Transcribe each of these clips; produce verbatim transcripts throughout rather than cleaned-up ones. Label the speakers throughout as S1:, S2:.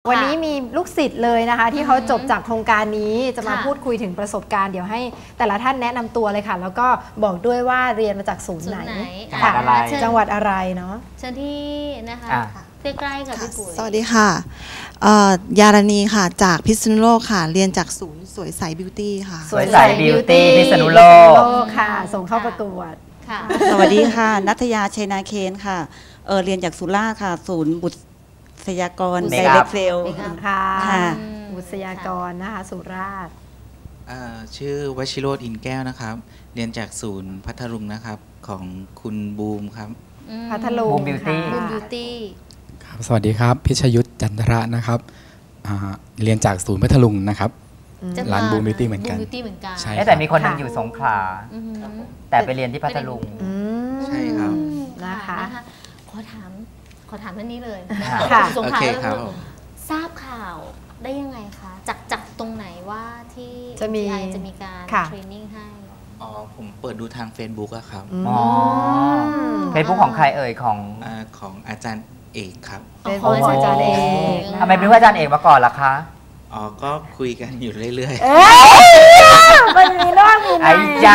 S1: วันนี้มีลูกศิษย์เลยนะคะที่เขาจบจากโครงการนี้จะมาพูดคุยถึงประสบการณ์เดี๋ยวให้แต่ละท่านแนะนำตัวเลยค่ะแล้วก็บอกด้วยว่าเรียนมาจากศูนย์ไหนค่ะจังหวัดอะไรเนาะ
S2: เชิญที่นะคะใกล้ๆกับพี่ปุ๋ย
S3: สวัสดีค่ะยารณีค่ะจากพิษณุโลกค่ะเรียนจากศูนย์สวยใสบิวตี้ค่ะ
S4: สวยใสบิวตี้พิษณุโลก
S1: ค่ะส่งเข้าประกวด
S5: สวัสดีค่ะนัทยาชัยนาเคนค่ะเออเรียนจากสุราษฎร์ค่ะศูนย์บุตรยากรไดเรกเซล
S1: ค่ะบุตรยากรนะคะสุราษฎร์
S6: ชื่อวชิโรจน์อินแก้วนะครับเรียนจากศูนย์พัทลุงนะครับของคุณบูมครับ
S1: พัทลุง
S4: บูมบิวตี้
S2: บูมบิวตี้
S7: ครับสวัสดีครับพิชยุทธจันทระนะครับเรียนจากศูนย์พัทลุงนะครับร้านบูมบิวตี้เหมือนกัน
S4: ใช่แต่มีคนนึงอยู่สงขลาแต่ไปเรียนที่พัทลุง
S6: ใช่ครับ
S2: นะคะขอถามขอถามท่านนี้เลย
S6: สงขลา
S2: ทราบข่าวได้ยังไงคะจากจากตรงไหนว่าที่
S1: จะมี
S2: จะมีการเทรนนิ่งให้
S6: อ๋อผมเปิดดูทาง Facebook อะครับ
S4: อ๋อ Facebook ของใครเอ่ยของ
S6: ของอาจารย์เอกครับ
S1: เป็นของอาจารย์เอก
S4: ทำไมเป็นอาจารย์เอกมาก่อนล่ะคะ
S6: อ๋อก็คุยกันอยู่เรื่อย
S1: ๆมันมีนอกมีใน
S4: ไอ้จ้ะ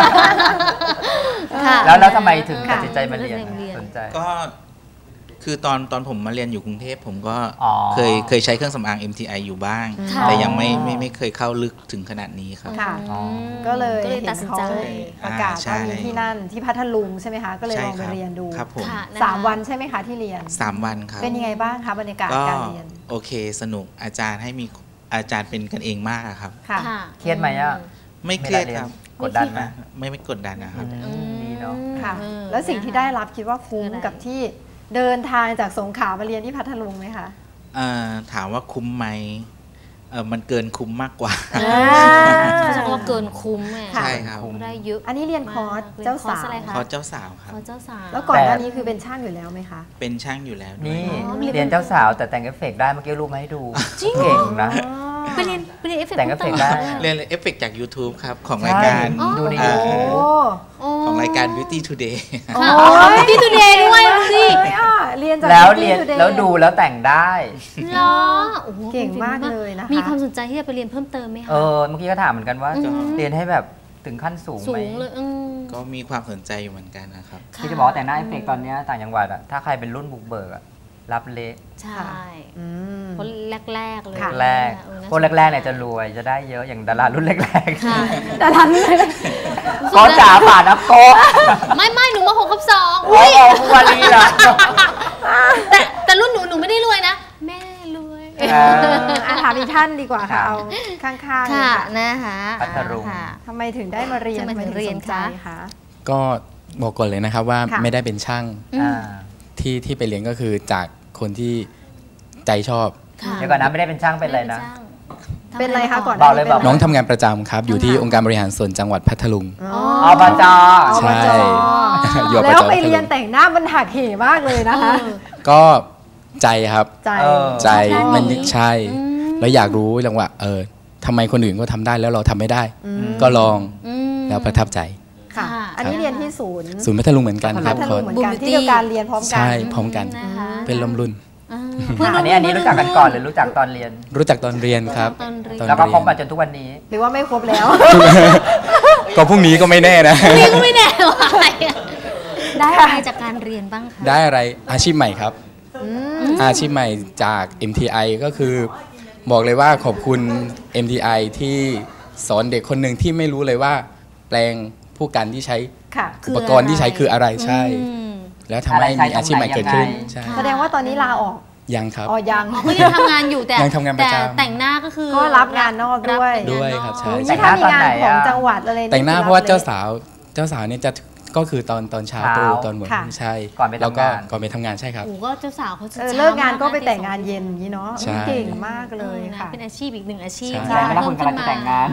S4: แล้วแล้วทำไมถึงตัดสินใจมาเรียนสนใจ
S6: ก็คือตอนตอนผมมาเรียนอยู่กรุงเทพผมก็เคยเคยใช้เครื่องสำอาง เอ็ม ที ไอ อยู่บ้างแต่ยังไม่ไม่ไม่เคยเข้าลึกถึงขนาดนี้ครับ
S1: ก็เลยตัดสินใจประกาศว่ามีที่นั่นที่พัทลุงใช่ไหมคะก็เลยลองไปเรียนดูสามวันใช่ไหมคะที่เรียน
S6: สามวันครับ
S1: เป็นยังไงบ้างคะบรรยากาศการเรียน
S6: โอเคสนุกอาจารย์ให้มีอาจารย์เป็นกันเองมากครับ
S4: เครียดไหมอ่ะ
S6: ไม่เครียดครับ
S4: กดดันไหม
S6: ไม่ไม่กดดันนะครับ
S4: ดีเนาะ
S1: ค่ะแล้วสิ่งที่ได้รับคิดว่าคุ้มกับที่เดินทางจากสงขลามาเรียนที่พัทลุงไหมคะ
S6: ถามว่าคุ้มไหมมันเกินคุ้มมากกว่า
S2: เขาจะว่าเกินคุ้ม
S6: ใช่ครับ
S2: ได้เยอะ
S1: อันนี้เรียนคอร์สเจ้าสาว
S6: คอร์สเจ้าสาวครับ
S2: คอร์สเจ้าสาว
S1: แล้วก่อนหน้านี้คือเป็นช่างอยู่แล้วไหมคะ
S6: เป็นช่างอยู่แล้ว
S4: นี่เรียนเจ้าสาวแต่แต่งเอฟเฟกต์ได้เมื่อกี้รูปมาให้ดูเก่งนะ
S2: ไปเรียนไปเรียนเอฟเฟกต์
S4: แต่งเอฟเฟกต์ได้
S6: เรียนเอฟเฟกต์จาก YouTube ครับของรายการ
S4: ดูดี
S6: ของรายการ Beauty Today
S2: Beauty Today ด้วยสิ
S1: เรียนจาก
S4: แล้วเรียนแล้วดูแล้วแต่งได้
S2: เหรอ
S1: เก่งมากเลยนะคะ
S2: มีความสนใจที่จะไปเรียนเพิ่มเติมไหมคะ
S4: เออเมื่อกี้ก็ถามเหมือนกันว่าเรียนให้แบบถึงขั้นสูงไหม
S6: ก็มีความสนใจอยู่เหมือนกันนะครับ
S4: ที่จะบอกแต่งหน้าเอฟเฟกต์ตอนนี้ต่างจังหวัดอะถ้าใครเป็นรุ่นบุกเบิกอะรับเละ
S2: ใช่คนแรกๆเลย
S4: แรกคนแรกๆเนี่ยจะรวยจะได้เยอะอย่างดารารุ่นแรก
S1: ๆดารารุ่นแรก
S4: ๆก็จ๋าป่านะโก้
S2: ไม่ไม่หนูมาหกกับสอง
S4: โอ้โหวันนี้เหรอ
S2: แต่แต่รุ่นหนูหนูไม่ได้รวยนะแม่รวย
S1: ถามอีกท่านดีกว่าค่ะเอาข้างๆ
S2: ค่ะนะคะ
S4: พัทลุง
S1: ทำไมถึงได้มาเรียนมาเรียนคะ
S7: ก็บอกก่อนเลยนะครับว่าไม่ได้เป็นช่างที่ที่ไปเรียนก็คือจากคนที่ใจชอบ
S4: เดี๋ยวก่อนนะไม่ได้เป็นช่างเป็นอะไรนะ
S1: เป็นอะไรคะก่อน
S4: บอกเลยบอก
S7: น้องทำงานประจำครับอยู่ที่องค์การบริหารส่วนจังหวัดพัทลุง
S4: อบจ.
S7: ใช่
S1: แล้วไปเรียนแต่งหน้ามันหักเหมากเลยนะคะ
S7: ก็ใจครับใจมันใช่แล้วอยากรู้จังว่าเออทำไมคนอื่นก็ทำได้แล้วเราทำไม่ได้ก็ลองแล้วประทับใจ
S1: ค่ะอันนี้เรียนที่ศูนย์
S7: ศูนย์พัทลุงเหมือนกันครับ
S1: เหมือนกันที่เดียวกันเรียนพร้อมกัน
S7: ใช่พร้อมกันเป็นลมรุ่น
S4: อันนี้อันนี้รู้จักกันก่อนหรือรู้จักตอนเรียน
S7: รู้จักตอนเรียนครับ
S4: แล้วก็คบมาจนทุกวันนี้
S1: หรือว่าไม่ครบแล้ว
S7: ก็พรุ่งนี้ก็ไม่แน่นะ
S2: พรุ่งนี้ก็ไม่แน่ว่าได้อะไรจากการเรียนบ้างคะ
S7: ได้อะไรอาชีพใหม่ครับอาชีพใหม่จาก เอ็ม ที ไอ ก็คือบอกเลยว่าขอบคุณ เอ็ม ที ไอ ที่สอนเด็กคนหนึ่งที่ไม่รู้เลยว่าแปลงผู้กันที่ใช้อุปกรณ์ที่ใช้คืออะไรใช่แล้วทำให้มีอาชีพใหม่เกิดขึ้น
S1: แสดงว่าตอนนี้ลาออก
S7: ยังครับ
S1: อ๋อยัง
S2: ก็ยังทำงานอยู่แต่
S7: ยังทำงานประจ
S2: ำแต่งหน้าก็คือ
S1: ก็รับงานนอกด้วย
S7: ด้วยครับใช่
S1: แต่งหน้าตอนไหนของจังหวัดอะไร
S7: แต่งหน้าเพราะว่าเจ้าสาวเจ้าสาวเนี่ยจะก็คือตอนตอนเช้าตรู่ตอนเหมือนใช่แล้วก็ก่อนไปทำงานใช่ครับ
S2: โอ้ก็เจ้าสาวเขาจะ
S1: เลิกงานก็ไปแต่งงานเย็นอย่างนี้เนาะเก่งมากเลยค่ะ
S2: เป็นอาชีพอีกหนึ่งอาชีพ
S4: ใช่แล้วคุณกำลังจะแต่งงาน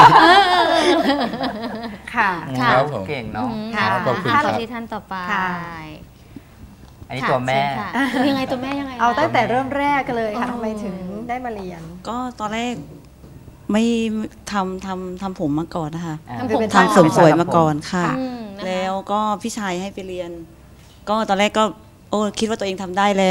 S1: ค่ะ
S4: เก่งเนาะ
S7: ขอบคุณ
S2: ครับ
S7: ที่
S2: ท่านต่อไป
S4: อันนี้ตัวแม่
S2: ยังไงตัวแม่ยังไง
S1: เอาตั้งแต่เริ่มแรกเลยค่ะทำไมถึงได้มาเรียน
S5: ก็ตอนแรกไม่ทำทำทำผมมาก่อนนะคะ
S1: ทำ
S5: เสริมสวยมาก่อนค่ะแล้วก็พี่ชายให้ไปเรียนก็ตอนแรกก็โอ้คิดว่าตัวเองทำได้แล้ว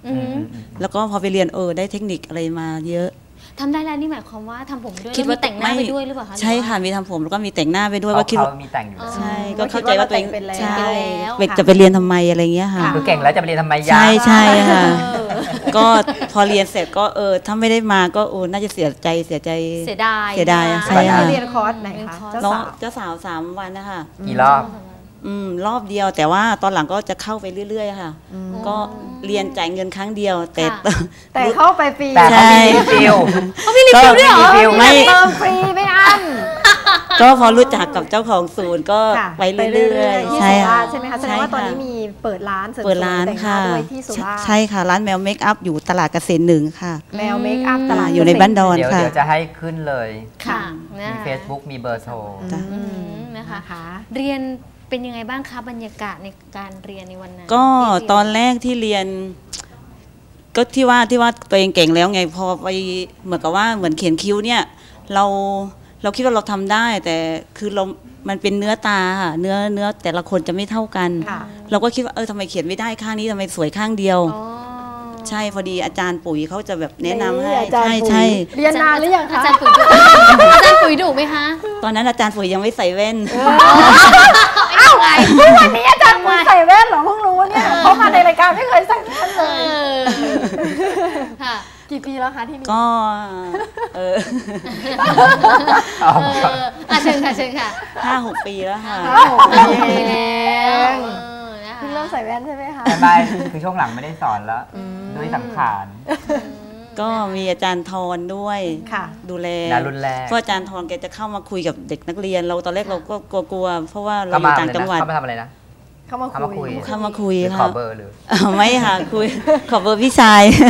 S2: อืม
S5: แล้วก็พอไปเรียนเออได้เทคนิคอะไรมาเยอะ
S2: ทำได้แล้วนี่หมายความว่าทำผมด้วย
S5: คิดว่า
S2: แล้วมีแต่งหน้าไปด้วยหรือเปล่าคะ
S5: ใช่ค่ะมีทำผมแล้วก็มีแต่งหน้าไปด้วยว่าคิดว่า
S4: เขามีแต่งอยู่แล้ว
S5: ใช่ก็เข้าใจว่าตัวเอง
S1: เป็นแล้ว
S5: ใช่
S2: แล้ว
S5: เด็กจะไปเรียนทำไมอะไรเงี้ยค่ะ
S4: คือเก่งแล้วจะไปเรียนทำไมยา
S5: ใช่ใช่ค่ะ
S2: เออ
S5: ก็พอเรียนเสร็จก็เออถ้าไม่ได้มาก็โอ้น่าจะเสียใจเสียใจ
S2: เสียดาย
S5: เสียดายอะ
S2: นะ
S5: ใช่
S1: ไป
S5: ค่ะ
S1: เรียนคอร์สไหนคะเจ้า
S5: น้อง
S1: สาว
S5: เจ้าสาวสามวันนะคะ
S4: กี่รอบ
S5: อืมรอบเดียวแต่ว่าตอนหลังก็จะเข้าไปเรื่อยๆค่ะ ก็เรียนจ่ายเงินครั้งเดียว แต่
S2: ค่ะ
S1: แต่เข้าไปฟรี
S4: แต่เขามีรีฟิล
S5: เขามีรีฟิลด้วยเหรอ
S4: รีฟิล
S5: ไม่
S1: เติมฟรีไม่อั้น
S5: ก็พอรู้จักกับเจ้าของศูนย์ก็
S1: ค่ะ
S5: ไปเรื่อยๆ
S1: ที่
S5: ใช่
S1: สุรา
S5: ค่ะ
S1: ษฎร์ใช่ไหมคะแสดงว่าตอนนี้มีเปิดร้านเสริมสวย
S5: เปิดร้าน
S1: แต่งห
S5: ค่ะ
S1: ด้วยที่สุราษฎร์
S5: ใช่ค่ะร้านแมวเมคอัพอยู่ตลาดเกษตรหนึ่งค่ะ
S1: แมวเมคอัพตลาด
S5: อยู่ในบ้านดอน
S4: เดี๋ยว
S5: ค่ะ
S4: เดี๋ยวจะให้ขึ้นเลย
S2: ค่ะนะ
S4: มี
S2: คะ
S4: Facebook มีเบอร์โทร
S5: จ้ะ
S2: อืมนะคะ
S1: นะคะ
S2: เรียนเป็นยังไงบ้างคะบรรยากาศในการเรียนในวันนั้น
S5: ก็
S2: ที่เรีย
S5: ตอนแรกที่เรียน ก็ที่ว่าที่ว่าตัวเองเก่งแล้วไงพอไปเหมือนกับว่าเหมือนเขียนคิ้วเนี่ย เราเราคิดว่าเราทำได้ แต่คือเรา มันเป็นเนื้อตาค่ะเนื้อเนื้อแต่ละคนจะไม่เท่ากัน
S1: ค่ะ
S5: เราก็คิดว่าเออทำไมเขียนไม่ได้ข้างนี้ทำไมสวยข้างเดียว
S2: อ๋อ
S5: ใช่พอดีอาจารย์ปุ๋ยเขาจะแบบแนะนำให้
S1: อาจารย์
S5: ใช่
S1: ปุ๋ย
S5: ใช่
S1: เรียนนานหรือยัง
S2: อา
S1: คะ
S2: จารย์ปุ๋ยดุอาจารย์ปุ๋ยดุไหมคะ
S5: ตอนนั้นอาจารย์ปุ๋ยยังไม่ใส่แว่น
S2: อ้าวไง
S1: วันนี้อาจารย์ปุ๋ยใส่แว่นเหรอเพิ่งรู้เนี่ยเพราะมาในรายการไม่เคยใส่แว่นเลย
S2: ค่ะ
S1: กี่ปีแล้วคะที่นี่
S5: ก็เออ
S2: เอออ่ะเชิญค่ะเชิญค่ะ
S5: ห้าหกปีแล้วค่ะ
S1: ห้าหกปี
S2: ปี
S1: เอ
S2: แล้ว
S1: ง
S2: เออนะคะ
S1: เพิ่งเริ่มใส่แว่นใช่ไหมคะ
S4: ไม่ไม่คือช่วงหลังไม่ได้สอนแล้ว ด้วยสังขาร
S5: ก็มีอาจารย์ทรด้วย
S1: ค่ะ
S5: ดูแล
S4: ดารุ่นแรก
S5: เพราะอาจารย์ทรแกจะเข้ามาคุยกับเด็กนักเรียน เราตอนแรกเราก็กลัวๆเพราะว่าเรา
S4: เข้า
S5: อยู่
S4: มา
S5: ต่าง
S4: เลย
S5: จังหวัด
S4: นะเข้ามาทำอะไรนะ
S1: เข้ามา
S4: เข้ามาคุ
S1: คุ
S4: ย
S1: ย
S5: เข้ามาคุย
S4: หรือข
S5: ค่ะ
S4: อเบอร์หรือ
S5: อ้าวไม่ค่ะคุย ขอเบอร์พี่ชาย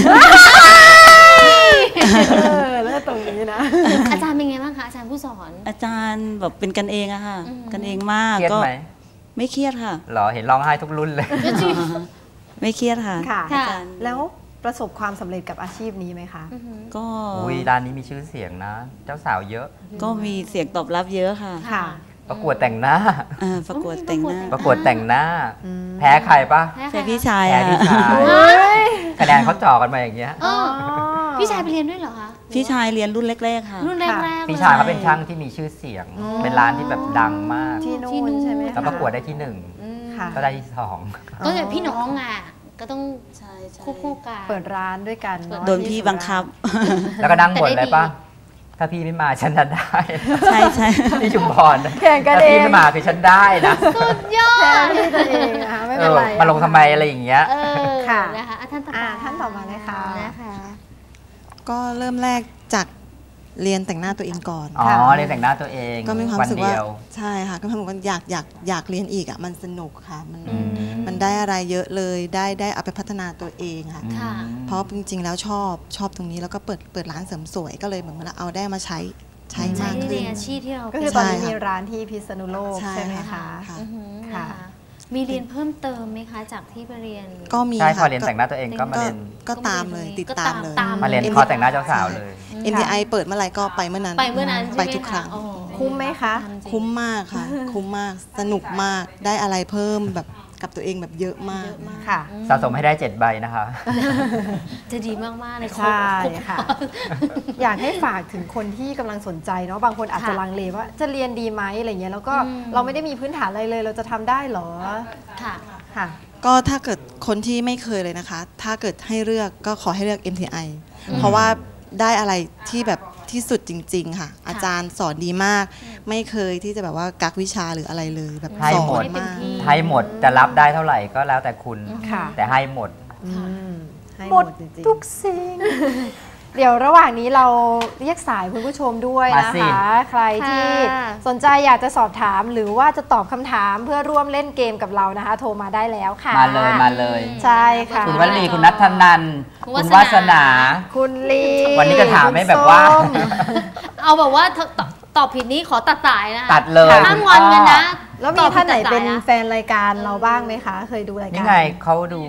S1: เออแล้วตรงนี้นะ
S2: อาจารย์เป็นไงบ้างคะอาจารย์ผู้สอน
S5: อาจารย์แบบเป็นกันเองอะค่ะ
S2: อืม
S5: กันเองมาก
S4: เครียด
S5: ก็
S4: ไหม
S5: ไม่เครียดค่ะ
S4: เหรอเห็นร้องไห้ทุกรุ่นเลย
S5: ไม่เครียดค่ะ
S1: ค่ะ
S2: ค่ะ
S5: อาจารย์
S1: แล้วประสบความสำเร็จกับอาชีพนี้ไหมคะ
S2: อือหือ
S5: ก็
S4: อุ้ยร้านนี้มีชื่อเสียงนะ เจ้าสาวเยอะ
S5: ก็มีเสียงตอบรับเยอะค่ะ
S1: ค่ะ
S4: ประกวดแต่งหน้า
S5: อ่าประกวดแต่งหน้า
S4: ประกวดแต่งหน้า
S1: อืม
S4: แพ้ใครปะ
S2: แพ้ใคร
S5: ใช่
S2: คะ
S5: พี่ชาย
S4: แพ้
S5: อะ
S4: พี่ชาย
S1: เฮ้ย
S4: คะแนนเขาจ่อกันมาอย่างเงี้ย
S2: เออพี่ชายไปเรียนด้วยเหรอคะ
S5: พี่ชายเรียนรุ่นแรกๆค่ะ
S2: รุ่นแรกๆเลย
S4: พี่ชายเขาเป็นช่างที่มีชื่อเสียง เป็นร้านที่แบบดังมาก
S1: ที่
S2: ที่
S1: นู่
S2: นู่
S1: น
S2: น
S1: ใช่ไหมคะ
S4: แล้วประกวดได้ที่หนึ่ง
S2: อืม
S1: ค่ะ
S4: ก็ได้ที่สอง
S2: ก็อย่างพี่น้องอ่ะก็ต้อง
S5: ใช่ใช่
S2: คู่คู่กัน
S1: เปิดร้านด้วยกันเนาะ
S5: โดนพี่บังคับ
S4: แล้วก็นั่งบ่น
S2: แต่ได้
S4: เลยปะ
S2: ดี
S4: ถ้าพี่ไม่มาฉันจะได้
S5: ใช่ใช่
S4: ที่ชุมพร
S1: แข่งกัน
S4: ถ้า
S1: เอ
S4: พี่
S1: ง
S4: ไม่มาคือฉันได้นะ
S2: สุดยอ
S1: แพ้
S2: ด
S1: ที่ตัวเองนะคะไม่
S4: เอ
S1: เป็น
S4: อ
S1: ไร
S4: มาลงทำไมอะไรอย่างเงี้ย
S2: เออ
S1: ค่ะ
S2: นะคะอ่ะท่านต่อไป
S1: อ่าท่านต่อมาเลยค่ะ
S2: นะคะ
S3: ก็เริ่มแรกจากเรียนแต่งหน้าตัวเองก่อน
S4: อ๋อ
S1: ค่ะ
S4: เรียนแต่งหน้าตัวเอง
S3: ก็มีความ
S4: วั
S3: รู้สึก
S4: เดี
S3: ว่า
S4: ยว
S3: ใช่ค่ะก็มีความรู้สึกว่าอยากอยากอยากเรียนอีกอ่ะมันสนุกค่ะมัน
S4: อืม
S3: มันได้อะไรเยอะเลยได้ได้เอาไปพัฒนาตัวเองค่ะ
S2: ค่ะ
S3: เพราะจริงๆแล้วชอบชอบตรงนี้แล้วก็เปิดเปิดร้านเสริมสวยก็เลยเหมือนว่าเอาได้มาใช้ใช้
S2: ใช้
S3: มาก
S2: ใน
S3: ขึ้น
S2: อาชีพที่เรา
S1: ก็
S2: เป็
S1: คื
S2: น
S1: อตอนนี้
S3: ใช่ค่ะ
S1: มีร้านที่พิษณุโลก
S3: ใช่
S1: ใช่ไหม
S3: ค่ะ
S1: คะ
S2: อือหือ
S1: ค่ะ
S2: นะคะมีเรียนเพิ่มเติมไหมคะ จากที่ไปเรียน
S3: ก็มี
S4: ใช่พอ
S3: ค่ะ
S4: เรียนแต่งหน้าตัวเองก็มา
S3: ก็
S4: เรียน
S3: ก็ตามเลยติดตามเลย
S2: ก็ตาม
S4: มาเรียนคอร์สแต่งหน้าเจ้าสาวเลย
S3: เอ็ม ที ไอ เปิดเมื่อไหร่ก็ไปเมื่อนั้น
S2: ไปเมื่อนั้นใช่ไหม
S3: ไปทุกครั้ง
S2: ะอ๋อ
S1: คุ้มไหมคะ
S2: ทำจริง
S3: คุ้มมากค่ะ คุ้มมากสนุกมากได้อะไรเพิ่มแบบกับตัวเองแบบเยอะมาก
S1: ค่ะ
S4: สะสมให้ได้เจ็ดใบนะคะ
S2: จะดีมากๆเลย
S1: ใช่
S2: ครบ
S1: ค่ะ อยากให้ฝากถึงคนที่กำลังสนใจเนาะบางคนอาจจะ
S2: ค่ะ
S1: ลังเลว่าจะเรียนดีไหมอะไรเงี้ยแล้วก็
S2: อืม
S1: เราไม่ได้มีพื้นฐานอะไรเลย เราจะทำได้เหรอ
S2: ค่ะ
S1: ค่ะ
S3: ก็ถ้าเกิดคนที่ไม่เคยเลยนะคะ ถ้าเกิดให้เลือกก็ขอให้เลือก เอ็ม ที ไอ เพราะว่าได้อะไรที่แบบที่สุดจริง ๆ ค่ะ อาจารย์สอนดีมาก ไม่เคยที่จะแบบว่ากักวิชาหรืออะไรเลยแบบ
S4: ให้
S3: สอ
S4: หมด
S3: นมาก
S4: ให้หมดจะรับได้เท่าไหร่ก็แล้วแต่คุณ
S1: ค่ะ
S4: แต่ให้หมด
S1: อืมให้หมดจริงๆทุกสิ่ง เดี๋ยวระหว่างนี้เราเรียกสายคุณผู้ชมด้วย
S4: มา
S1: นะ
S4: สิ
S1: คะ ใครที่
S2: ค่ะ
S1: สนใจอยากจะสอบถามหรือว่าจะตอบคำถามเพื่อร่วมเล่นเกมกับเรานะคะ โทรมาได้แล้วค่ะ
S4: มาเลยมาเลย
S1: ใช่ค่ะ
S4: คุณวัลีคุณนัทธนันท์
S2: คุณ
S4: คุณ
S2: วาว
S4: า
S2: ส
S4: ส
S2: นา
S4: นา
S1: คุณลี
S4: วันนี้จะถามให้
S1: คุณ
S4: แบบว่า
S1: ส้ม
S2: เอาแบบว่าตอบตอบผิดนี้ขอตัดสายนะ
S4: ตัดเลย
S2: ห้ามงอนกันนะ
S1: แล้วมีท่านไหนเป็น
S2: ตอบผิดตัดสายะ
S1: แฟนรายการเราบ้างไหมคะ เคยดูรายการ
S4: นี่ไงเขาดู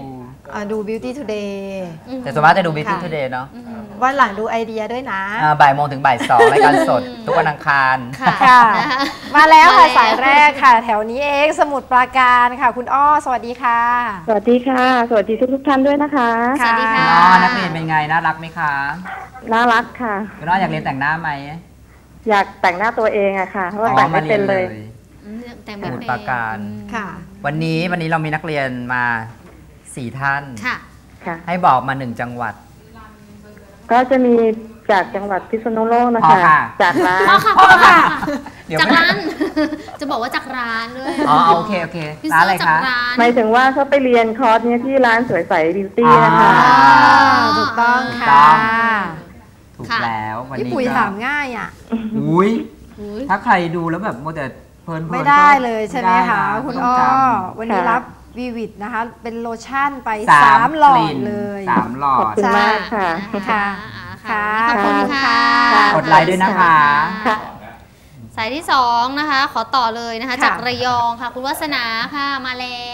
S1: อ่าดู Beauty Today
S4: แต่ส่วนมากจะดู Beauty Today เนาะ
S1: วันหลังดูไอเดียด้วยนะ
S4: อ่าบ่ายโมงถึงบ่ายสองรายการสด ทุกวันอังคาร
S1: ค่ะ มาแล้วค่ะสายแรกค่ะ แถวนี้เองสมุทรปราการค่ะ คุณอ้อสวัสดีค่ะ
S8: สวัสดีค่ะ สวัสดีทุกทุกๆท่านด้วยนะคะ
S2: สวัสดีค่ะ
S4: อ๋อนักเรียนเป็นไงน่ารักไหมคะ
S8: น่ารักค่ะ
S4: คุณอ้ออยากเรียนแต่งหน้าไหม
S8: อยากแต่งหน้าตัวเองอะค่ะเพราะว่าแต่งไม่เป็นเลย
S2: อืมแต่ง
S4: ส
S2: แบบ
S4: มุทร
S2: เป็น
S4: ปราการ
S1: ค่ะ
S4: วันนี้วันนี้เรามีนักเรียนมาสี่ท่าน
S2: ค่ะ
S8: ค่ะ
S4: ให้บอกมาหนึ่งจังหวัด
S8: ก็จะมีจากจังหวัดพิษณุโลกนะ
S4: พอ
S8: คะ
S4: ค่ะ
S8: จากร้าน
S2: พ่อค่ะพ่อค่ะ
S4: เดี๋ยว
S2: จาก
S4: ไม่
S2: ร้าน จะบอกว่าจากร้านด้วย
S4: อ๋อโอเคโอเค
S2: พี่
S4: ร้าน
S2: เสื้
S4: อะไร
S2: อจาก
S4: คะ
S2: ร้าน
S8: หมายถึงว่าเขาไปเรียนคอร์สเนี้ยที่ร้านสวยใสบิวตี้นะคะ
S4: อ่า
S1: ถูกต้อง
S4: ถูก
S1: ค่ะ
S4: ต้อง ถูกแล้ววัน
S1: พี่
S4: นี้
S1: ปุ๋ย
S4: ก็
S1: ถามง่ายอ่ะ
S4: อุ้ย
S2: อุ๊ย
S4: ถ้าใครดูแล้วแบบโมวแต่เพลินๆ
S1: ไม่ได้เลยใช่ไหม
S4: ด้
S1: คะ
S4: น
S1: คุณ
S4: ต้
S1: อ้
S4: ง
S1: อ
S4: จ
S1: วันนี้
S8: ค่ะ
S1: รับวีวิตนะคะ เป็นโลชั่นไป
S4: ำ
S1: สามหลอด
S4: กน
S1: เลย
S4: สามหลอ
S8: ขอบ
S4: ด
S8: คุณมากค่ะ
S1: ค่ะ
S2: ค่ะ
S1: ค่ะ
S2: ขอบคุณค่ะ
S8: ค่ะ
S4: กดไลค์ด้วยนะคะ
S8: ค่ะ
S2: สายที่สองนะคะ ขอต่อเลยนะคะ
S1: ค่ะ
S2: จากระยองค่ะ คุณวัฒนาค่ะมาแล้ว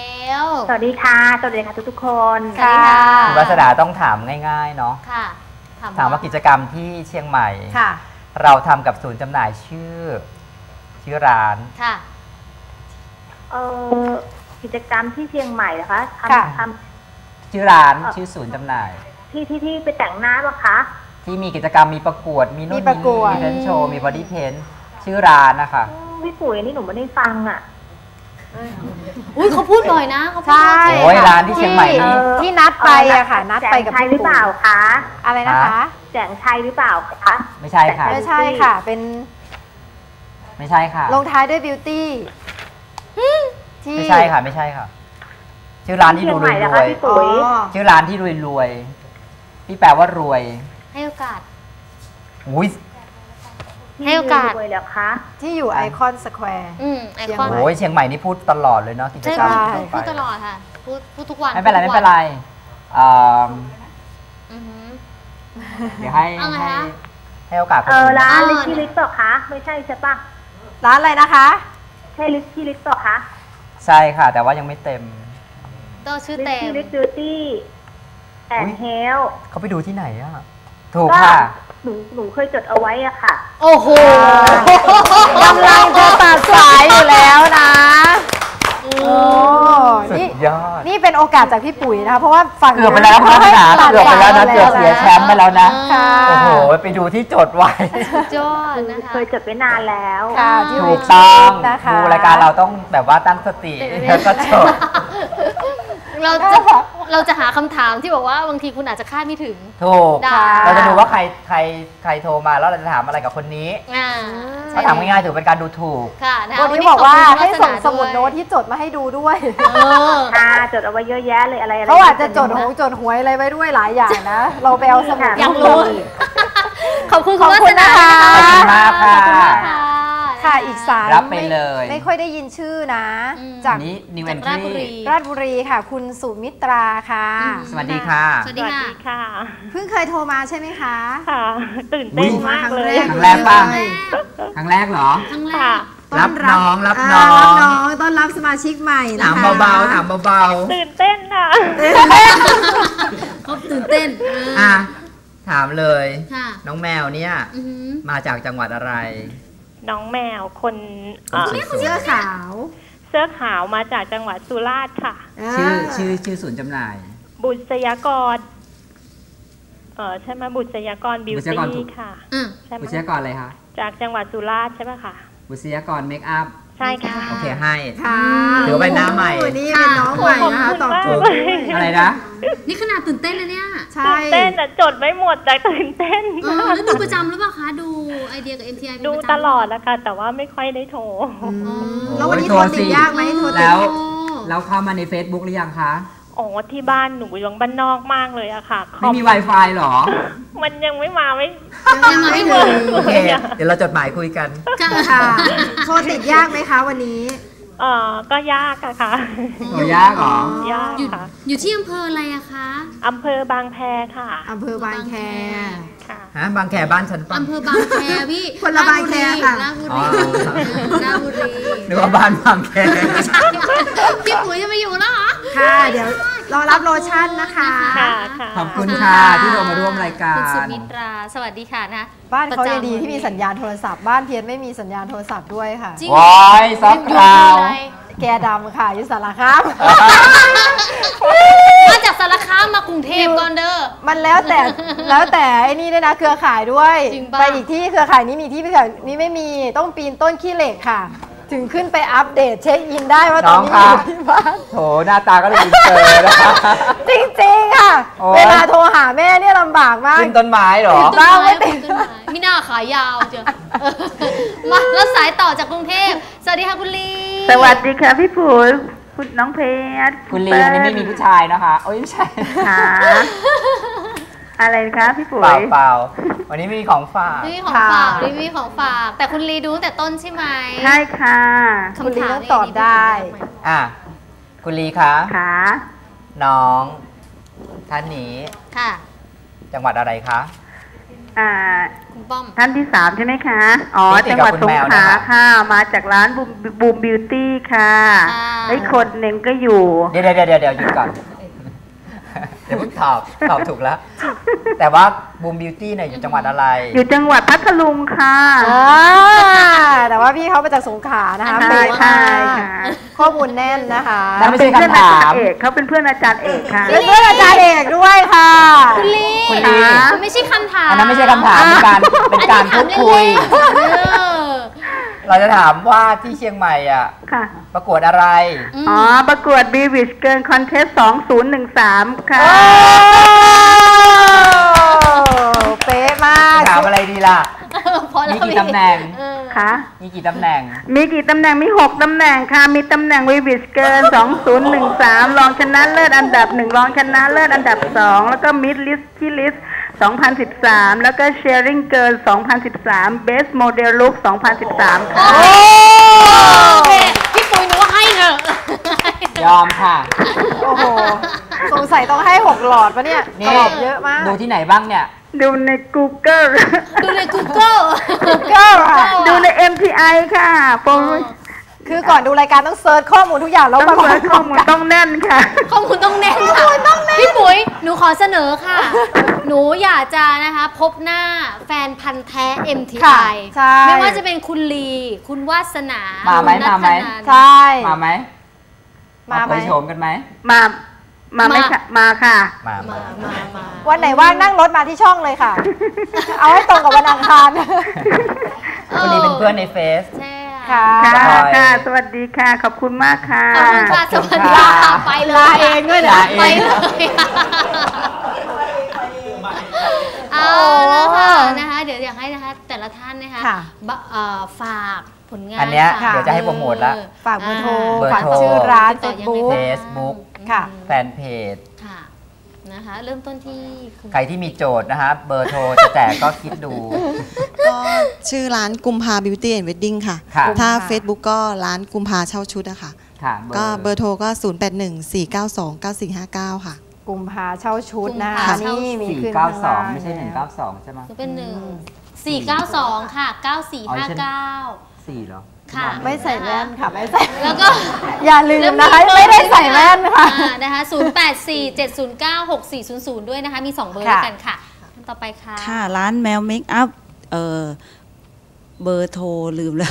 S8: สวัสดีค่ะ สวัสดีค่ะทุกๆคน
S2: สวัสดีค่ะ
S4: คุณวัสดาต้องถามง่ายๆเนาะ
S2: ค่ะ
S4: ถามว่ากิจกรรมที่เชียงใหม่
S1: ค่ะ
S4: เราทำกับศูนย์จำหน่ายชื่อ ชื่อร้าน
S2: ค่ะ
S8: เออกิจกรรมที่เชียงใหม่นะคะท
S1: ค่ะ
S8: ำท
S4: ชื่อร้านชื่อศูนย์จำหน่าย
S8: ำที่ที่ที่ไปแต่งหน้าปะคะ
S4: ที่มีกิจกรรมมีประกวด มีนู่น
S1: มีประกวด
S4: มีเพนโชว์มีบอดี้เพนชื่อร้านนะคะ
S8: อืมพี่ปุ๋ยนี่หนูไม่ได้ฟังอ่ะ
S2: อุ้ยเขาพูดบ่อยนะเขาพูด
S1: ใช่
S2: บ่อย
S4: โอ้ยร้านที่เชียงใหม่นี่
S1: ที่นัดไปอะค่ะ นัดไปกับ
S8: แจงชัย
S1: พี่
S8: หรือเปล่าคะ
S1: อะไรนะคะ
S8: แจงชัยหรือเปล่าคะ
S4: ไม่ใช่ค่ะ
S1: ไม่ใช่ค่ะ เป็น
S4: ไม่ใช่ค่ะ
S1: ลงท้ายด้วยบิวตี้ที่
S4: ไม่ใช่ค่ะ ไม่ใช่ค่ะ ชื่อร้านที่ดูรวย
S8: เชียงใหม่เหรอ
S4: ร
S8: คะ
S4: วย
S8: พี่ปุ๋ย
S1: อ๋อ
S4: ชื่อร้านที่รวยรวยที่แปลว่ารวย
S2: ให้โอกาส
S4: อุ้ย
S2: ให้โอกาส
S8: รวยเหรอคะ
S1: ที่อยู่ไอคอนสแควร์
S2: อืมไอคอน
S4: โอ้ยเชียงใหม่นี่พูดตลอดเลยเนาะกิจ
S2: ใช่
S4: กรรม
S2: พูด
S4: ที่
S2: พูด
S4: ไป
S2: ตลอดค่ะ พูดพูดทุกวัน
S4: ไม่เป็นไร
S2: พู
S4: ไม่
S2: ดทุก
S4: เป็นไรเอิ่ม
S2: อือหือ
S4: เดี๋ยวให้
S2: เอาไง
S4: ให้
S2: คะ
S4: ให้โอกาสคน
S8: เออ
S4: อื่น
S8: ร้าน
S2: เออ
S8: ลิชี่ลิสต์เปล่าคะไม่ใช่ใช่ปะ
S1: ร้านอะไรนะคะ
S8: ใช่ลิชี่ลิสต์เปล่าคะ
S4: ใช่ค่ะ แต่ว่ายังไม่เต็ม
S2: ตัวชื่อ
S8: ลิ
S2: เต็ม
S8: ชี่ลิสต์บิวตี้แอน
S4: อุ๊ย
S8: ด์เฮล
S4: เขาไปดูที่ไหนอะถูก
S8: ก็
S4: ค่ะ
S8: หนูหนูเคยจดเอาไว้อะค่ะ
S2: โอ้โห
S1: กำลังจะตัดสายอยู่แล้วนะโอ้
S4: สุ
S1: นี่
S4: ดยอด
S1: นี่เป็นโอกาสจากพี่ปุ๋ยนะคะ เพราะว่าฝั่ง
S4: เกือบไปแล้วคุณวัฒนา
S1: ตัด
S4: เกือบไปแล้วนะ
S1: สาย
S4: เกือบเสียแชมป์ไปแล้วนะ
S1: ค่ะ
S4: โอ้โห ไปดูที่จดไว้
S2: สุดยอดนะคะ
S8: เคยจดไว้นานแล้ว
S1: ค่ะที่
S4: ถู
S1: วิ
S4: ก
S1: ชี
S4: ต้อง
S1: นะคะ
S4: ดูรายการเราต้องแบบว่าตั้งสติแล้วก็จด
S2: เราจะเราจะหาคำถามที่บอกว่าบางทีคุณอาจจะคาดไม่ถึง
S4: ถูก
S2: ได้
S4: เราจะดูว่าใครใครใครโทรมาแล้วเราจะถามอะไรกับคนนี้
S2: อ่า
S4: ถ้าถามง่ายๆถือเป็นการดูถูก
S2: ค่ะนะคะ
S1: วันนี้บอกว่า
S2: ขบคุณ
S1: ให้
S2: คุณ
S1: ส่ง
S2: วัฒ
S1: สมุด
S2: วย
S1: โน้ตที่จดมาให้ดูด้วย
S2: เออ
S8: ค่ะจดเอาไว้เยอะแยะเลยอะไรอะไร
S1: เขาอาจจะจดหงจดหวยอะไรไว้ด้วยหลายอย่างนะ เราไปเอาสมุด
S2: อยากรู้ ขอบคุณ
S1: ขอบคุณนะคะ
S2: ข
S4: ขอบคุณมากค่ะ
S2: อบคุณมากค่ะ
S1: ค่ะอีกสาย
S4: รับไปเลย
S1: ไม่ไม่ค่อยได้ยินชื่อนะ
S2: อืม
S1: จาก
S4: นี้ New
S2: จากราชบุรี
S4: Entry
S1: ราชบุรีค่ะ คุณสุมิตราค่ะ
S2: อืม
S4: สวัสดีค่ะ
S2: สวัส
S8: ส
S2: ดี
S8: วัส
S2: ค่ะ
S8: ดีค่ะ
S1: เพิ่งเคยโทรมาใช่ไหมคะ
S8: ค่ะ ตื่นเต้น
S4: อุ๊ย
S8: มากเลย
S4: ครั้งแรกป่ะ ครั้งแรกเหรอ
S2: ครั้งแร
S8: ค่ะ
S2: ก
S4: รับน้องรับ
S1: า
S4: น้อง
S1: รับน้องต้อนรับสมาชิกใหม่นะ
S4: ถาม
S1: คะ
S4: เบาๆถามเบา
S8: ตื่นเต้นค่ะ
S2: เขาตื่นเต้น
S4: ๆอ่ะถามเลย
S2: ค่ะ
S4: น้องแมวเนี่ย
S2: อือหือ
S4: มาจากจังหวัดอะไร
S8: น้องแมวคนเอ่อ
S1: เสื้อขาว
S8: เสื้อขาวมาจากจังหวัดสุราษฎร์ค่ะ
S4: ชื่อชื่อชื่อศูนย์จำหน่าย
S8: บุษยากร เออใช่ไหมบุษยากรบิว
S4: บุษยากรถู
S8: ตี้
S4: ก
S8: ค่ะ
S2: อืม
S8: ใช่ไหม
S4: บุษยากรอะไรคะ
S8: จากจังหวัดสุราษฎร์ใช่ไหมคะ
S4: บุษยากรเมคอัพ
S8: ใช่ค่ะ
S4: โอเคให้
S1: ค่ะ
S4: ถือว่าเป็นหน้าใหม่
S1: โอ้นี่เป็นน้องใหม่นะคะตอบถูก
S4: อะไรนะ
S2: นี่ขนาดตื่นเต้นนะเนี่ย
S1: ใช่
S8: ตื่นเต้นแต่จดไม่หมดแต่ตื่นเต้น
S2: เออแล้วดูประจำหรือเปล่าคะ ดูไอเดียกับ เอ็ม ที ไอ เป็น
S8: ดู
S2: ประจำ
S8: ตลอดนะคะแต่ว่าไม่ค่อยได้โทร
S1: อืมแล้ววันนี้โทรติดยากไหมโทรติด
S4: แล้ว
S2: โอ้
S4: เราเข้ามาใน Facebook หรือยังคะ
S8: อ๋อที่บ้านหนูยังบ้านนอกมากเลยอะค่ะค
S4: ไม่
S8: อม
S4: มี Wi-Fi หรอ
S8: มันยังไม่มาไม่
S2: ยังมาไม่ถึง
S4: โอเค เดี๋ยวเราจดหมายคุยกัน
S2: ค่ะ
S1: ค่ะ โทรติดยากไหมคะวันนี้
S8: เออก็ยากอะค่ะ
S4: โอ้ยากเหรอ
S8: ยาก
S2: อยู่
S8: ค่ะ
S2: อยู่ที่อำเภออะไรอะคะ
S8: อำเภอบางแพค่ะ
S1: อำเภอบางแค
S8: ค่ะ
S4: ฮะ บางแคบ้านฉันปะ
S2: อำเภอบางแคพี่
S1: คนละบางแคค่ะ
S2: ราชบุ
S4: อ๋
S2: รี
S4: อ
S2: ราชบุรี
S4: นึกว่าบ้านบางแค
S2: พี่ปุ๋ยจะไปอยู่แล้วเหรอ
S1: ค่ะ เดี๋ยวรอรับโลชั่นนะคะ
S8: ค่ะค่ะ
S4: ขอบคุณค่ะที่โทรมาร่วมรายการ
S2: คุณสุมิตราสวัสดีค่ะนะ
S1: บ้านเขายังดี
S2: ประจำ
S1: ที่มีสัญญาณโทรศัพท์บ้านเพียรไม่มีสัญญาณโทรศัพท์ด้วยค่ะ
S2: จริง
S4: ว้ายซอฟต์คลาว
S1: แกดำค่ะอยุสารคาม
S2: มาจากสารคามมากรุงเทพก่อนเด้อ
S1: มันแล้วแต่แล้วแต่ไอ้นี่ด้วยนะเครือข่ายด้วย
S2: จริงปะ
S1: ไปอีกที่เครือข่ายนี้มีที่เครือข่ายนี้ไม่มีต้องปีนต้นขี้เหล็กค่ะ ถึงขึ้นไปอัปเดตเช็คอินได้ว่าตอนนี้อยู่ที่บ้าน
S4: โถหน้าตาก็เลยอินเตอร์นะ
S1: จริงๆค่ะ
S4: โอ๊ย
S1: เวลาโทรหาแม่เนี่ยลำบากมาก
S4: ขึ้นต้นไม้เหรอ
S2: ต้น
S1: บ้า
S2: ไม้
S1: ไม่ติด
S2: ต้นไม้มีหน้าขายาวเจ้ะมาแล้วสายต่อจากกรุงเทพสวัสดีค่ะคุณลี
S9: สวัสดีค่ะพี่ผูคุณน้องเพชร
S4: คุณลีวันนี้ไม่มีผู้ชายนะคะโอ้ยไม่ใช่
S9: ค่ะอะไรคะพี่ปุ๋
S4: เปล่าย เปล่าวันนี้มีของฝาก
S2: นี่ของฝากนี่มีของฝาก แต่คุณลีดูตั้งแต่ต้นใช่ไหม
S9: ใช่ค่ะ
S1: คุณลีต้องตอบได้
S4: อ่ะคุณลีคะ
S9: ค่ะ
S4: น้องท่านนี้
S2: ค่ะ
S4: จังหวัดอะไรคะ
S9: อ่า
S2: คุณป้อม
S9: ท่านที่สามใช่ไหมคะ อ๋อ
S4: นี่ติด
S9: จัง
S4: กับ
S9: หวัด
S4: คุณ
S9: สง
S4: แมว
S9: ขลา
S4: นะคะ
S9: ค่ะ มาจากร้านบูมบูมบิวตี้ค่ะ
S2: ค่ะ
S9: ไอ้คนหนึ่งก็อยู่
S4: เดี๋ยวเดี๋ยวเดี๋ยวเดี๋ยวหยุดก่อน เดี๋ยวเพิ่งตอบตอบถูกแล้ว แต่ว่าบูมบิวตี้เนี่ยอยู่จังหวัดอะไร
S9: อยู่จังหวัดพัทลุงค่ะ
S1: อ่าแต่ว่าพี่เขามาจากสงขลานะคะ
S9: ใช่
S1: เป๊ะ
S9: ใช่
S1: มาก
S9: ค่ะ
S1: ข้อมูลแน่นนะคะ
S4: นั่นไม่ใช่
S9: เป็นเพื่อน
S4: คำ
S9: อา
S4: ถา
S9: จาม รย์เอกเขาเป็นเพื่อนอาจารย์เอกค่ะ
S1: เป็นเพื่อนอาจารย์เอกด้วยค่ะ
S2: คุณลี
S4: คุณลี
S2: มันไม่ใช่คำถาม
S4: อันนั้นไม่ใช่คำถามเป็นการเป็นการพูดคุย
S2: อันนี้ถามเล่นๆเออ
S4: เราจะถามว่าที่เชียงใหม่อ่ะ
S9: ค่ะ
S4: ประกวดอะไร
S9: อ๋อ ประกวด b ีวิชเกินคอนเทสสองศูนย์หนึ่งสามค่ะ
S1: โอ้เป๊ะมาก
S4: ถามอะไรดีล่ะ
S2: เพราะเรา
S4: มีกี่ตำแหน่ง
S2: เออ
S9: ค่ะ
S4: มีกี่ตำแหน่ง
S9: มีกี่ตำแหน่ง มีหกตำแหน่งค่ะ มีตำแหน่งวีวิชเกินสองศูนย์หนึ่งสามรองชนะเลิศอันดับหนึ่งรองชนะเลิศอันดับสองแล้วก็มิดลิสที่ลิสสองพันสิบสามแล้วก็เชียร์ริงเกินสองพันสิบสามเบสโมเดลลุกสองพันสิบสามค่ะ
S2: โอเคพี่ปุ๋ยหนูว่าให้เถอะ
S4: ยอมค่ะ
S1: โอ้โห สงสัยต้องให้หกหลอดปะเนี่ย
S4: นี่
S1: ตอบเยอะมาก
S4: ดูที่ไหนบ้างเนี่ย
S9: ดูใน Google
S2: ดูใน Google
S1: ก็ค่ะ
S9: ดูใน เอ็ม ที ไอ ค่ะโปร
S1: คือก่อนดูรายการต้องเซิร์ชข้อมูลทุกอย่างแล้ว
S9: ต้อง
S1: มา
S9: เปิดข้อมูลต้องแน่นค่ะ
S2: ข้อมูลต้องแน่นค่ะพี่ปุ๋ยหนูขอเสนอค่ะ หนูอยากจะนะคะพบหน้าแฟนพันธ์แท้ เอ็ม ที ไอ
S1: ค่ะใช่
S2: ไม่ว่าจะเป็นคุณลี คุณวาสนา
S4: มาไหม
S2: คุณนัท
S4: มาไหม
S2: ธนัน
S1: ใช่
S4: มาไหม
S1: มาไหม
S4: เผยโฉมกันไหม
S9: มา มาไหมค่ะ มาค่ะ
S4: มา
S2: มามามา
S1: วันไหนว่างนั่งรถมาที่ช่องเลยค่ะ เอาให้ตรงกับวันอังคาร
S4: คุณลีเป็นเพื่อนในเฟซ
S2: ใช่
S1: ค่ะ
S9: ค่ะ
S4: บาย
S9: ค่ะ สวัสดีค่ะ ขอบคุณมากค่ะ
S2: ขอบคุณค่ะ
S4: ข
S2: ส
S4: อบคุ
S2: วัส
S4: ณ
S2: ดี
S4: ค่ะ
S2: ค่ะไปเลย
S1: ลาเองด้วยนะ
S4: ลาเอง
S2: ไปเลยเอาแล้วค่ะนะคะเดี๋ยวอยากให้นะคะแต่ละท่านนะคะ
S1: ค่ะ
S2: บะเอ่อฝากผลงาน
S4: อันเนี้ย
S2: ฝาก
S4: เดี๋ยวจะให้โปรโมทละ
S1: ฝากเบอร์โทร
S4: เบอร์
S1: ฝาก
S4: โทร
S1: ชื่อร้าน
S2: ติ
S1: เฟ
S2: ด
S1: ซ
S2: ต่อยังไง
S1: บุ๊ก
S4: เฟซบุ๊ก
S1: ค่ะ
S4: แฟนเพจ
S2: ค่ะนะคะ เริ่มต้นที่คุณ
S4: ใครที่มีโจทย์นะคะเบอร์โทรจะแจกก็คิดดู
S3: ก็ชื่อร้านกุมภาบิวตี้แอนด์เวดดิ้งค่ะ
S4: ค่ะ
S3: ถ้า
S1: ค่ะ
S3: Facebook ก็ร้านกุมภาเช่าชุดอะค่ะ
S4: ค่ะ
S3: ก็เบอร์โทรก็ ศูนย์ แปด หนึ่ง สี่ เก้า สอง เก้า สี่ ห้า เก้า ค่ะ
S1: กุมภาเช่าชุดนะ
S2: กุม
S1: คะ
S2: ภาเช่า
S1: นี่มี
S4: สี่
S1: ขึ้น
S4: เก้า
S1: ข้าง
S4: สอง
S1: ล่าง
S4: ไม่ใช่หนึ่งเก้าสองใช่ไหม
S2: จะเป็นหนึ่งสี่เก้าสองค่ะเก้าสี่ห้าเก้า
S4: สี่เหรอ
S2: ค่ะ
S1: ไม่ใส่แว่นค่ะ ไม่ใส่
S2: แล้วก็
S1: อย่าลืมนะคะ ไม่ได้ใส่แว่นค่ะ
S2: อ่านะคะศูนย์แปดสี่เจ็ดศูนย์เก้าหกสี่ศูนย์ศูนย์ด้วยนะคะ มีสองเบอร์ด้วยกันค่ะท่านต่อไปค่ะ
S5: ค่ะ ร้านแมวเมคอัพเออเบอร์โทรลืมแล้ว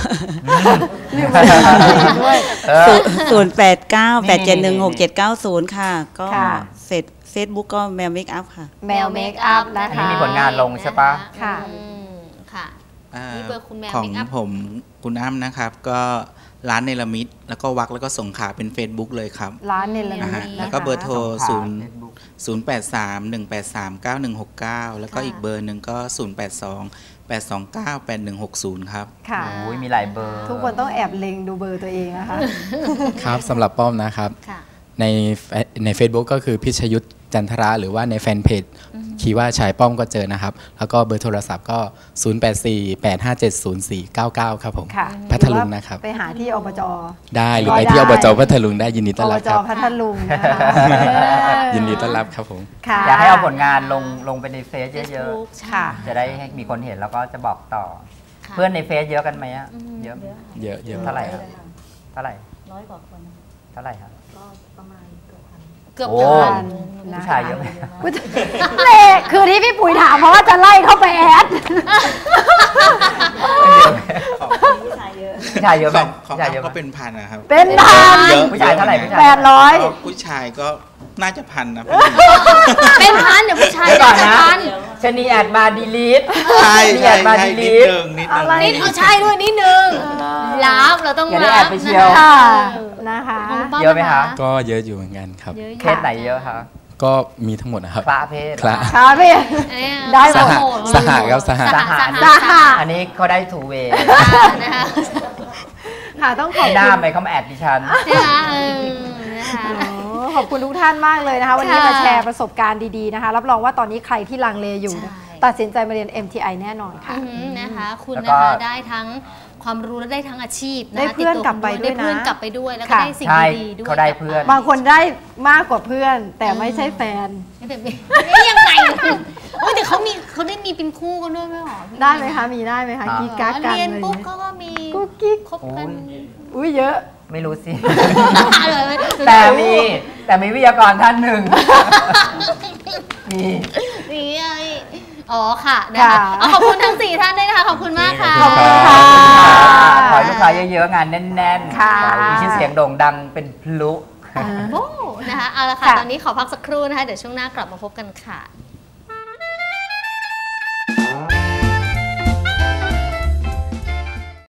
S1: ด้วย
S4: เออ
S5: ศูนย์แปดเก้าแปดเจ็ดหนึ่งหกเจ็ดเก้าศูนย์ค่ะ ก็
S1: ค่ะ
S5: เฟซเฟซบุ๊กก็แมวเมคอัพค่ะ
S1: แมวเมคอัพนะ
S4: อัน
S1: คะ
S4: นี้มีผลงานลงใช่ปะ
S1: ค่ะ
S2: อืมค่ะ
S6: อ่า
S2: นี่เบอร์คุณแมว
S6: ของ
S2: เมคอัพ
S6: ผมคุณอ้ำนะครับ ก็ร้านเนลมิตแล้วก็วักแล้วก็ส่งขาเป็น Facebook เลยครับ
S1: ร้านเนล
S6: อ่า
S1: มิ
S6: ฮะ
S1: ต
S6: แล้วก็เบอร์โทร
S4: ค่ะ
S6: ศูนย์
S4: Facebook
S6: ศูนย์แปดสามหนึ่งแปดสามเก้าหนึ่งหกเก้าแล้วก็
S2: ค่ะ
S6: อีกเบอร์หนึ่งก็ศูนย์แปดสองแปดสองเก้าแปดหนึ่งหกศูนย์ครับ
S1: ค่ะ
S4: โอ้ยมีหลายเบอร์
S1: ทุกคนต้องแอบเล็งดูเบอร์ตัวเองนะคะ
S7: ครับสำหรับป้อมนะครับ
S2: ค่ะ
S7: ในใน Facebook ก็คือพิชยุทธจันทระหรือว่าในแฟนเพจคีย์ว่าชายป้อมก็เจอนะครับ แล้วก็เบอร์โทรศัพท์ก็ ศูนย์ แปด สี่ แปด ห้า เจ็ด ศูนย์ สี่ เก้า เก้า ครับผม
S1: ค่ะ
S7: พัทลุงนะครับ
S1: ไปหาที่อบจ
S7: ได้หรือ
S1: ก็
S7: ไปที่
S1: ได้
S7: อบจพัทลุงได้ยินดีต้อน
S1: อ
S7: รั
S1: บบ จ
S7: ครับ
S1: พัทลุงนะคะ
S7: ยินดีต้อนรับครับผม
S1: ค่ะ
S4: อยากให้เอาผลงานลงลงไปในเฟซเยอะ
S2: Facebook
S1: ค่ะ
S4: ๆ จะได้ให้มีคนเห็นแล้วก็จะบอกต่อ
S2: ค่ะ
S4: เพื่อนในเฟซเยอะกันไหมอะเยอะ
S7: เยอะเยอะ
S4: เท่าไหร่ครับเท่าไหร่
S2: ร้อยกว่าคน
S4: เท่าไหร่ครับ
S2: ก็ประมาณเกือบพันเกือบ
S4: โอ้
S2: พัน
S4: ผู้ชายเยอะไหม
S1: เละคือที่พี่ปุ๋ยถามเพราะว่าจะไล่เข้าไปแอด
S4: ผู้ชายเยอะไหม
S6: ของของ
S4: ผู้ชายเย
S6: เรา
S4: อะไหม
S6: ก็เป็นพันนะครับ
S1: เป็นพัน
S6: เยอะ
S4: ผู้ชายเท่าไหร่ผู้ชาย
S1: แปดร้อย
S6: ผู้ชายก็น่าจะพันนะ
S2: เป็นพันเดี๋ยวผู้ชาย
S4: เดี๋ยวก่อน
S2: จะ
S4: นะ
S2: พัน
S4: ชนีแอดมาดีลีท
S6: ใช่
S4: ชนี
S6: ใช่
S4: แอดมา
S6: ใช่
S4: ดี
S6: นิ
S4: ลี
S6: ด
S4: ท
S6: นึงนิดนึง
S2: นิดเอาใช่ด้วยนิดนึงรับเราต้อง
S4: อย่าได้
S2: รับ
S4: แอบไปเชียว
S1: ค่ะนะคะ
S2: ของป้า
S4: เยอะไหมคะ
S7: ก็เยอะอยู่เหมือนกันครับ
S2: เยอะอยู่
S4: เคสไหนเยอะคะ
S7: ก็มีทั้งหมดนะครับ
S4: พระเพศ
S7: คละ
S1: ค่ะพี่
S2: เนี่ย
S1: ได้ห
S7: ส
S1: มด
S7: หสหครับสห
S2: สห
S4: สห
S2: สห
S4: อันนี้เขาได้ทูเวย์
S2: นะคะ
S1: ค่ะต้องขอบ
S4: ห
S1: คุ
S4: น้า
S1: ณ
S4: ไปเขามาแอดดิฉัน
S2: นะคะเออนะคะ
S1: อ๋อขอบคุณทุกท่านมากเลยนะคะ วันนี้
S2: ค่ะ
S1: มาแชร์ประสบการณ์ดีๆนะคะ รับรองว่าตอนนี้ใครที่ลังเลอยู่
S2: ใช่
S1: ตัดสินใจมาเรียน เอ็ม ที ไอ แน่นอนค่ะ
S2: อือหือนะคะคุณ
S4: แล้ว
S2: นะ
S4: ก็
S2: คะได้ทั้งความรู้และได้ทั้งอาชีพนะคะ
S1: ได้เพื่อน
S2: ติตัว
S1: กลับไปด้วยนะ
S2: ได้เพื่อนกลับไปด้วยแล้วก็
S1: ค่ะ
S2: ได้สิ่ง
S4: ใช่
S2: ดีๆด้วย
S4: เขาได้เพื่อน
S1: บางคนได้มากกว่าเพื่อน แต่ไม่ใช่แฟน
S2: ไม่แต่ไม่ยังไงโอ้ยแต่เขามีเขาได้มีเป็นคู่กันด้วยไหมหรอพี่
S1: ได้ไหมคะ มีได้ไหมคะ
S4: อ่า
S1: กิ๊กกักกัน
S2: เรียน
S1: อะไร
S2: ปุ๊บ
S1: เงี้ย
S2: เขาก็มี
S1: กุ๊กกิ๊ก
S2: คบกัน
S1: อุ้ยเยอะ
S4: ไม่รู้สิ
S2: เลย
S4: แต่มีแต่มีวิทยากรท่านหนึ่ง มี
S2: นี่ไงอ๋อค่ะนะคะเอาขอบคุณทั้งสี่ท่านด้วยนะคะขอบคุณมากค่ะ
S1: ขอบคุณค่ะ
S4: ขอให้ลูกค้าเยอะๆ งานแน่นๆ
S1: ค่ะ
S4: ขอให้มีชื่อเสียงโด่งดังเป็นพลุ
S2: โอ้นะคะเอาละค่ะ
S1: ค่ะ
S2: ตอนนี้ขอพักสักครู่นะคะเดี๋ยวช่วงหน้ากลับมาพบกันค่ะ